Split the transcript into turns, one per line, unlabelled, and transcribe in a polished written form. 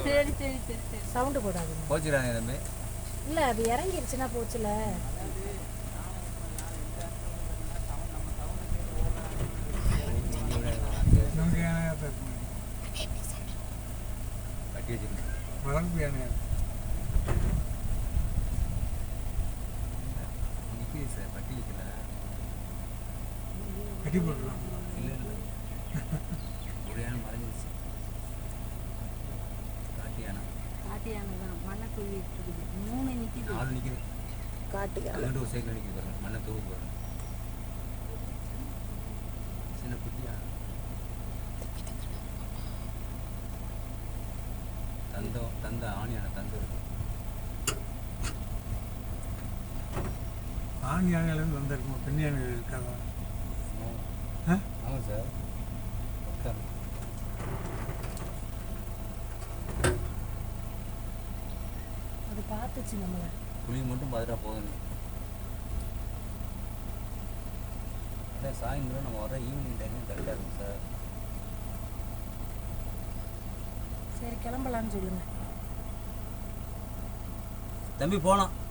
சரி சரி சரி சரி
சவுண்டு போடாது.
போச்சுறானே தம்பி.
இல்லை அது இறங்கிருச்சுன்னா போச்சுல.
கட்டி வச்சிருக்கேன்
வளர்ப்பு யானையா
நிற்கிது சார், கட்டி வைக்கல.
கட்டி போட்டுருவாங்க.
இல்லை இல்லை ஒரு யானை மறைஞ்சிருச்சு. காட்டு யானை
காட்டு யானை தான் மண்ணை தூவிட்டு இருக்குது. 3 நிற்கிது.
4 நிற்கிது.
காட்டுக்கு
அங்கிட்டு ஒரு சைக்கிள் நிற்கிது பாருங்க, மண்ணை தூவு பாருங்க. சின்ன குட்டியா தந்த ஆணியான தந்தம் இருக்கு.
ஆண் யானையிலேருந்து வந்திருக்குமா, பெண் யானை இருக்காதா?
ஆமாம் சார்.
அது பார்த்துச்சு நம்மளை.
புளி மட்டும் பார்த்துட்டா போதும். அதான் சாயந்தரம் நம்ம வர ஈவினிங் டைமும் கரெக்டாக இருக்கும் சார்.
சரி கிளம்பலான்னு சொல்லுங்கள்
தம்பி போகலாம்.